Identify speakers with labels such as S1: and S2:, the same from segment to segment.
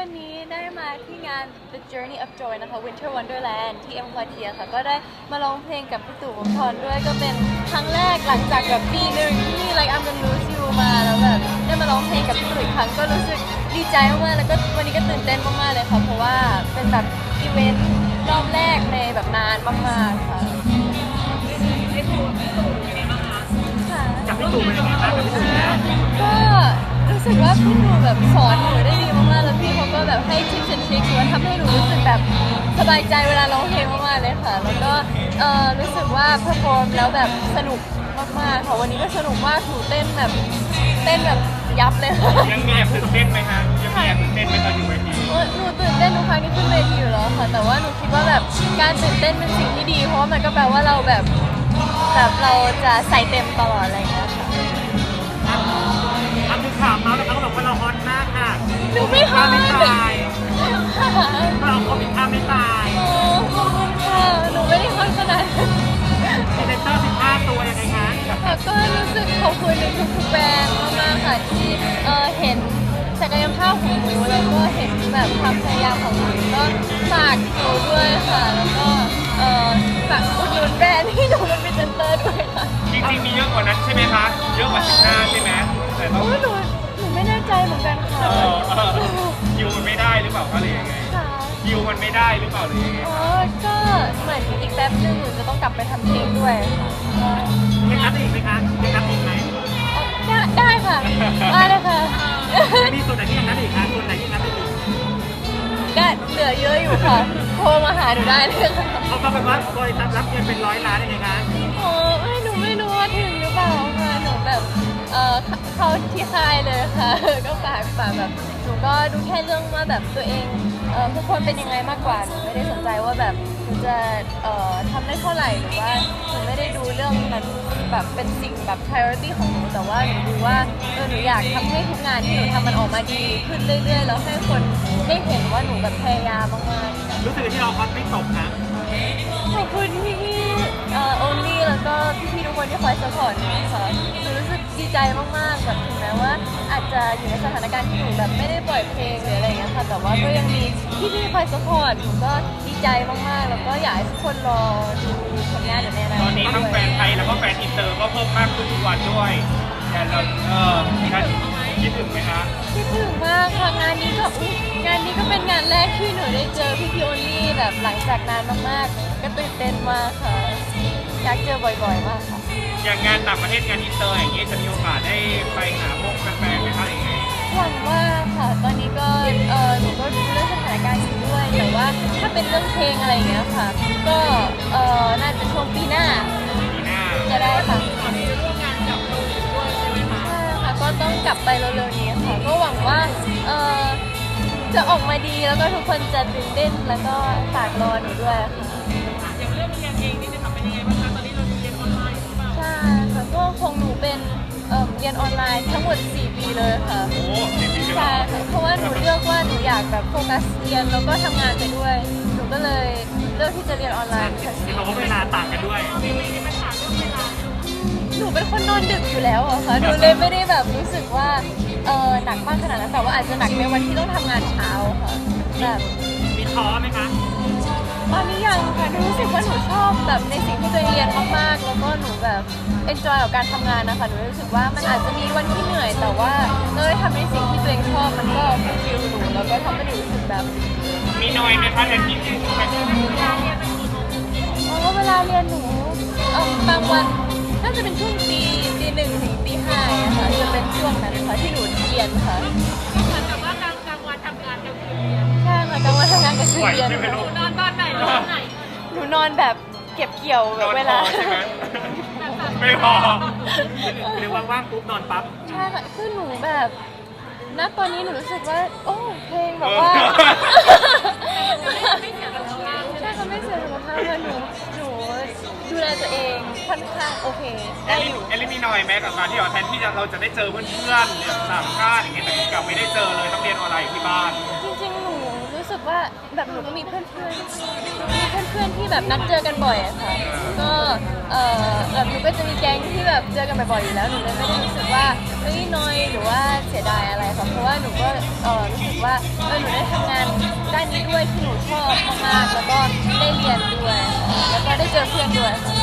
S1: วันนี้ได้มาที่งาน The Journey of Joy นะคะ Winter Wonderland ที่ M Quartier ค่ะก็ได้มาร้องเพลงกับพี่ตู่วงศ์ธรด้วยก็เป็นครั้งแรกหลังจากแบบปีหนึ่งที่ Like I'm Gonna Lose You มาแล้วแบบได้มาร้องเพลงกับพี่ตู่อีกครั้งก็รู้สึกดีใจมากๆแล้วก็วันนี้ก็ตื่นเต้นมากๆเลยค่ะเพราะว่าเป็นแบบอีเวนต์รอบแรกในแบบนานมากๆค่ะ
S2: จากพี่ตู่เป็นยังไงบ้างกับพี่ตู่แล้ว
S1: ก็รู้สึกว่าพี่ตู่แบบสอนหนูได้ดีมากๆแล้วพี่เขาก็แบบให้ทิปส์และทริคหรือว่าทำให้หนูรู้สึกแบบสบายใจเวลาร้องเพลงมากๆเลยค่ะแล้วก็รู้สึกว่าเพอร์ฟอร์มแล้วแบบสนุกมากๆค่ะวันนี้ก็สนุกมากหนูเต้นแบบยับเลยค่ะ
S2: ยังมีแอบตื่นเต้นไหมฮะยังมีแอบตื่นเต้นไหมตอนอยู่เวที
S1: หนูตื่นเต้นทุกครั้งที่ขึ้นเวทีอยู่แล้วค่ะแต่ว่าหนูคิดว่าแบบการตื่นเต้นเป็นสิ่งที่ดีเพราะว่ามันก็แปลว่าเราแบบเราจะใส่เต็มตลอดอะไรอย่างเงี้ยค่ะ
S2: ทำคือข่าวเมาส์แล้วเขาบอกว่าเราฮอตมากค่ะ
S1: หนูไม่ฮอต
S2: ไม่ตายเราคอมิท่าไม่ตาย
S1: โอ้ขอบคุณค่ะหนูไม่ได้ฮอตขนาดนั้น
S2: พรีเซนเตอร์15 ตัวยังไงคะ
S1: ค่ะก็รู้สึกขอบคุณในทุกๆแบรนด์มากๆค่ะที่เห็นศักยภาพของหนูแล้วก็เห็นแบบความพยายามของหนูก็ฝากหนูด้วยค่ะแล้วก็ฝากอุดหนุนแบรนด์ที่หนูเป็นพรีเซนเตอร์ด้วยค่ะ
S2: จริงๆมีเยอะกว่านั้นใช่ไหมคะเยอะกว่า15ใช่ไหมแต่ต้อง
S1: หนูไม่แน่ใจเหมือนกันค่ะ
S2: คิวมันไม่ได้หรือเปล่าคะหรือยังไงคิวมันไม่ได้หรือเปล่าหรือยังไง
S1: ก็เหมือนอีกแป๊บนึงหนูจะต้องกลับไปทำเพลงด้วยค่ะ
S2: ยังนับอีกไหมคะยังนับอีกไหม
S1: ได้ค่ะได้เลยค่ะ
S2: มีส่วนไหนที่ยังนับอีกคะส่วนไหนที่นับอีก
S1: ก็เหลือเยอะอยู่ค่ะโทรมาหาหนูได้เลยค่ะ
S2: เขาก็แบบว่าบริษัทรับเงินเป็น100 ล้านยังไงคะ
S1: หนูไม่รู้ว่าถึงหรือเปล่าค่ะหนูแบบเข้าที่ค่ายเลยค่ะก็ฝากแบบหนูก็ดูแค่เรื่องว่าแบบตัวเองทุกคนเป็นยังไงมากกว่าหนูไม่ได้สนใจว่าแบบหนูจะทำได้เท่าไหร่หรือว่าหนูไม่ได้ดูเรื่องนั้นแบบเป็นสิ่งแบบ priority ของหนูแต่ว่าหนูดูว่าหนูอยากทำให้ทุกงานที่หนูทำมันออกมาดีขึ้นเรื่อยๆแล้วให้คนได้เห็นว่าหนูแบบพยายามมากๆ
S2: รู้สึกที่เราฮอตไม่ตกนะ
S1: ขอบคุณพี่โอลี่แล้วก็พี่ๆทุกคนที่คอยสปอร์ตหนูค่ะหนูรู้สึกดีใจมากๆแบบถึงแม้ว่าอาจจะอยู่ในสถานการณ์ที่หนูแบบไม่ได้ปล่อยเพลงหรืออะไรอย่างเงี้ยค่ะแต่ว่าก็ยังมีพี่ๆคอยสปอร์ตหนูก็ดีใจมากๆแล้วก็อยากให้ทุกคนรอดูผลงานอยู่ในอนาคต
S2: ตอนนี้ทั้งแฟนไทยแล้วก็แฟนอินเตอร์ก็เพิ่มมากขึ้นทุกวันด้วยแต่เราคิดถึงไหมคะ
S1: คิดถึงมากค่ะงานนี้ก็เป็นงานแรกที่หนูได้เจอพี่ๆโอลี่แบบหลังจากนานมากๆก็ตื่นเต้นมากค่ะอยากเจอบ่อยๆมากค่ะ
S2: อย่างงานต่างประเทศงานอินเตอร์อย่างนี้จะมีโอกาสได้ไปหาพวกแฟนๆไหมคะหรือไง
S1: หวังว่าค่ะตอนนี้ก็หนูก็ดูเรื่องสถานการณ์อยู่ด้วยแต่ว่าถ้าเป็นเรื่องเพลงอะไรอย่างเงี้ยค่ะก็น่าจะช่วงปีหน้าจะได้ค่ะร่วมงานกับโลกด้วยใช่ไหมคะใช่ค่ะก็ต้องกลับไปเร็วๆนี้ค่ะก็หวังว่าจะออกมาดีแล้วก็ทุกคนจะตื่นเต้นแล้วก็ฝากรอหนูด้วยค่ะ
S2: อย่างเรื่องเรียนเองนี่จะทำเป็นยังไงบ้างคะตอนนี้เราเรียนออนไลน์หรือเปล่า
S1: ใช่ค่ะก็คงหนูเป็นเรียนออนไลน์ทั้งหมด4 ปีเลยค่ะ
S2: โอ้4 ปี
S1: ใช่ค่ะเพราะว่าหนูเลือกว่าหนูอยากแบบโฟกัสเรียนแล้วก็ทำงานไปด้วยหนูก็เลยเลือกที่จะเรียนออนไลน์ค่ะ
S2: เพราะว่าเวลาต่างกันด้วยมีปัญหาเรื่องเวลา
S1: หนูเป็นคนนอนดึกอยู่แล้วอะค่ะหนูเลยไม่ได้แบบรู้สึกว่าหนักมากขนาดนั้นแต่ว่าอาจจะหนักในวันที่ต้องทำงานเช้าค่ะแบบ
S2: มีท้อไหมคะ
S1: ตอนนี้ยังค่ะหนูรู้สึกว่าหนูชอบแบบในสิ่งที่ตัวเองเรียนมากๆแล้วก็หนูแบบเอนจอยกับการทำงานนะคะหนูรู้สึกว่ามันอาจจะมีวันที่เหนื่อยแต่ว่าเราได้ทำในสิ่งที่ตัวเองชอบมันก็ฟูลฟิลหนูแล้วก็ทำให้หนูรู้สึกแบบ
S2: มีน้อยไหมคะแต่ที่
S1: เวลาเรียนหนูบางวันน่าจะเป็นช่วงตีหนึ่งถึงตี 5อะค่ะจะเป็นช่วงนั้นค่ะที่หนูเรียนค่ะ
S3: ก็เหมือนกับว่ากลางวันทำงานกลางคืนเรียน
S1: ใช่ค่ะกลางวันทำงานกลางคืนเรียน
S3: หนูนอนตอนไหน
S1: หนูนอนแบบเก็บเกี่ยวแบบเวลา
S2: ใช่ไหมไม่พอหรือว่างๆปุ๊บนอนปั๊บ
S1: ใช่ค่ะคือหนูแบบณตอนนี้หนูรู้สึกว่าโอ้เพลงแบบว่า
S3: ไม่เสียสุขภาพ
S1: ใช่ค่ะไม่เสียสุขภาพค่ะหนูดูแลตัวเองค่อนข้างโอเค
S2: เอลลี่มีน้อยแม้กับการที่แทนที่เราจะได้เจอเพื่อนๆเนี่ยต่างชาติอย่างเงี้ยแต่กลับไม่ได้เจอเลยต้องเรียนออนไลน์ที่บ้าน
S1: จริงๆหนูรู้สึกว่าแบบหนูก็มีเพื่อนๆที่แบบนัดเจอกันบ่อยอะค่ะก็แบบหนูก็จะมีแก๊งที่แบบเจอกันบ่อยๆอยู่แล้วหนูเลยไม่ได้รู้สึกว่าเฮ้ยน้อยหรือว่าเสียดายอะไรค่ะเพราะว่าหนูก็รู้สึกว่าหนูได้ทำงานด้านนี้ด้วยที่หนูชอบมากๆแล้วก็ได้เรียนด้วยแล้วก็ได้เจอเพื่อนด้วยค่ะ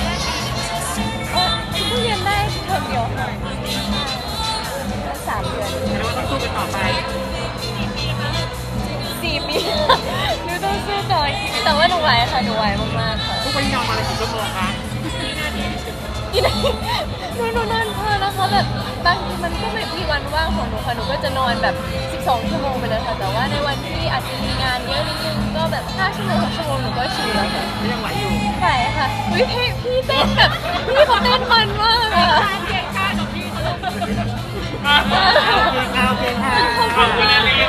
S1: เพิ่งเรียนได้เทอมเดียวค่ะ3 เดือน
S2: แล้วก็ต้องสู้กันต่อไป
S1: 4 ปีหนูต้องสู้ต่ออีกแต่ว่าหนูไหวค่ะหนูไหวมากๆค่ะ
S2: ทุกวันนี้นอนมาเลยกี่ชั่วโมงคะ
S1: กี่นาทีหนูนอนพอนะคะแบบบางทีมันก็ไม่มีวันว่างของหนูค่ะหนูก็จะนอนแบบ12 ชั่วโมงไปเลยค่ะแต่ว่าในวันที่อาจจะมีงานเยอะนิดนึงก็แบบ5 ชั่วโมง6 ชั่วโมงหนูก็ชิลแล้วค่ะ
S2: ยังไหวอยู่
S1: ไหวค่ะวิพี่เต้นแบบพี่เขาเต้นมันมากอะ
S3: เก่งข้ากับพี่เขา
S2: โอเคค่ะโอเคค่ะขอบคุณนะลี